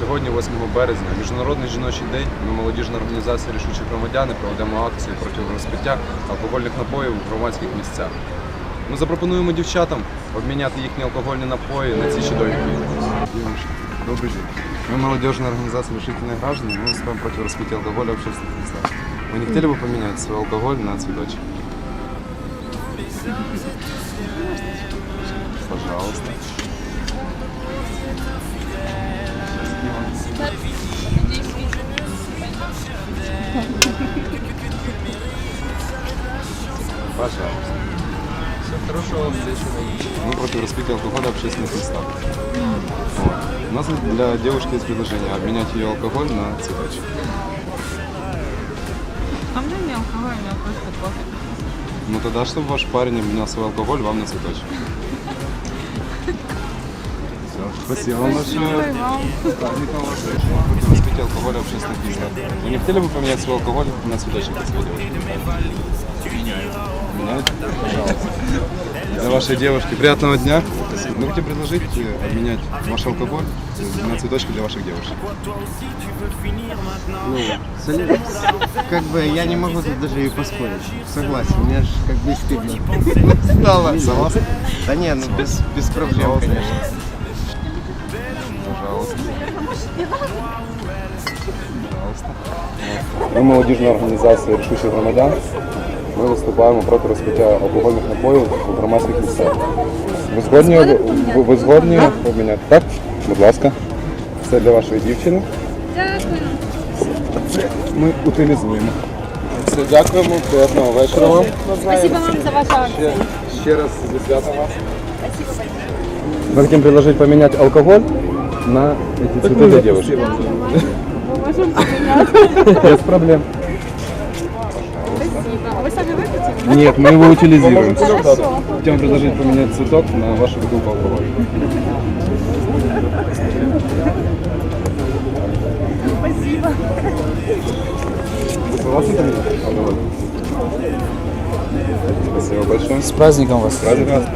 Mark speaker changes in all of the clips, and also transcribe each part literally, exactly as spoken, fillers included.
Speaker 1: Сьогодні, восьмого березня, Міжнародний жіночий день. Ми, молодіжна організація «Рішучі громадяни», проведемо акцію проти розпиття алкогольних напоїв у громадських місцях. Ми запропонуємо дівчатам обміняти їхні алкогольні напої на ці чудові квіти. Девушки, добрый день. Мы молодежная организация «Решительные граждане», мы выступаем против распития алкоголя в общественных местах. Вы не хотели бы поменять свой алкоголь на цветочек? Пожалуйста. Пожалуйста.
Speaker 2: Все хорошего вам вечера.
Speaker 1: Мы против распития алкоголя в общественных местах. Вот. У нас для девушки есть предложение обменять ее алкоголь на цветочек.
Speaker 3: А мне не алкоголь, мне просто кофе.
Speaker 1: Ну тогда, чтобы ваш парень обменял свой алкоголь вам на цветочек. Все, спасибо вам большое. С праздником вас. Против распития алкоголя в общественных местах. Вы не хотели бы поменять свой алкоголь на цветочек для своей девушки? Меняете? Пожалуйста. Для вашей девушки приятного дня. Мы хотим предложить обменять ваш алкоголь на цветочки для ваших девушек.
Speaker 2: Ну, как бы я не могу тут даже и поспорить. Согласен, мне же как бы стыдно стало.
Speaker 1: Согласны?
Speaker 2: Да не, ну без, без проблем, конечно.
Speaker 1: Пожалуйста. Пожалуйста. Ми молодіжна організація «Рішучих громадян». Ми виступаємо проти розпиття алкогольних напоїв у громадських місцях. Ви згодні, ви, ви згодні обміняти? Так? Будь ласка. Це для вашої дівчини.
Speaker 3: Дякую.
Speaker 1: Ми утилізуємо. Все, дякуємо. Приємного вечора вам.
Speaker 3: Спасибо вам за вашу акцию.
Speaker 1: Ще, ще раз зі святом вас.
Speaker 3: Спасибо большое.
Speaker 1: Мы хотим предложить поменять алкоголь на эти цветы для девушек.
Speaker 3: Мы можем поменять.
Speaker 1: Без проблем.
Speaker 3: Спасибо. А вы сами выпьете?
Speaker 1: Нет, мы его утилизируем.
Speaker 3: Хорошо.
Speaker 1: Хотим предложить поменять цветок на вашу бутылку алкоголя.
Speaker 3: Спасибо.
Speaker 1: Вы согласны поменять алкоголь? Спасибо большое.
Speaker 2: С праздником вас.
Speaker 1: С праздником вас.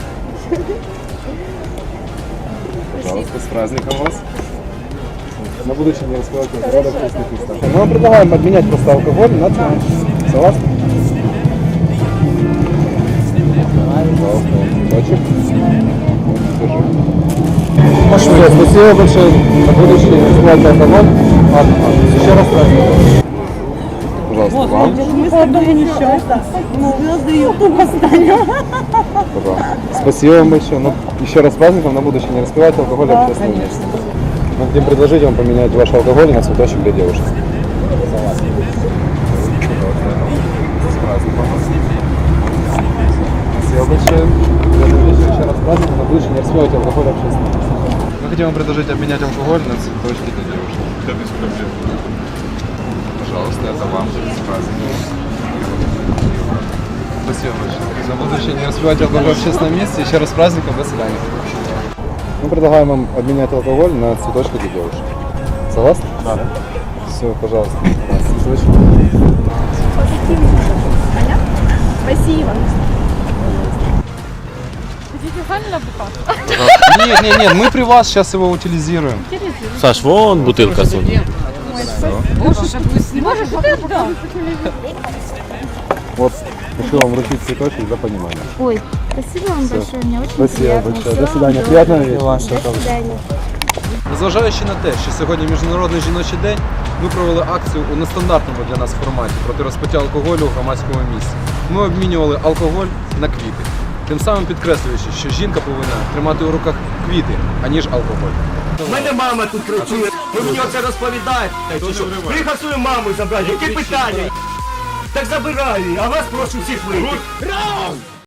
Speaker 1: Пожалуйста, с праздником вас. На будущее не раскрывайте алкоголь в общественных местах. Мы вам предлагаем обменять просто алкоголь на цветок. Согласны? Пожалуйста, цветочек. Все, спасибо большое. На будущее не раскрывайте алкоголь. Ладно, ладно. Еще раз праздником. Пожалуйста, вам.
Speaker 4: Мы с тобой несчастны. Мы звезды ютуба станем.
Speaker 1: Пожалуйста. Спасибо вам большое. Ну, еще раз с праздником. На будущее не распивайте алкоголь в общественном месте. Мы хотим предложить вам поменять ваш алкоголь на цветочек для девушек. Согласен. С праздником. Спасибо большое. Еще раз с праздником. На будущее не распивайте алкоголь в общественном месте. Мы хотим вам предложить обменять алкоголь на цветочки для девушек. Да, без проблем. Пожалуйста, это вам. С праздником. Спасибо большое. На будущее не распивайте алкоголь в общественном месте. Еще раз с праздником. До свидания. Мы предлагаем вам обменять алкоголь на цветочки для девушек. Согласны? Да. Все, пожалуйста. Цветочки.
Speaker 3: Спасибо. Хотите сами на бутылку?
Speaker 1: Нет, нет, нет, мы при вас сейчас его утилизируем.
Speaker 5: Саш, вон бутылка тут.
Speaker 3: Не можешь бутылку? Да.
Speaker 1: Вот, хочу вам вручить цветочек за понимание.
Speaker 4: Ой, спасибо вам большое, мне очень
Speaker 1: Спасибо
Speaker 4: приятно.
Speaker 1: большое.
Speaker 4: Всего
Speaker 1: До свидания.
Speaker 4: вам
Speaker 1: Приятного
Speaker 4: доброго.
Speaker 1: вечера.
Speaker 4: До свидания.
Speaker 1: Незважаючи на те, що сьогодні Міжнародний жіночий день, ми провели акцію у нестандартному для нас форматі проти розпиття алкоголю у громадському місці. Ми обмінювали алкоголь на квіти, тим самим підкреслюючи, що жінка повинна тримати у руках квіти, аніж алкоголь.
Speaker 6: У мене мама тут працює, ви мені оце розповідаєте. Приїхав свою маму забрати, які питання? Так забираю, а вас прошу всіх вийти.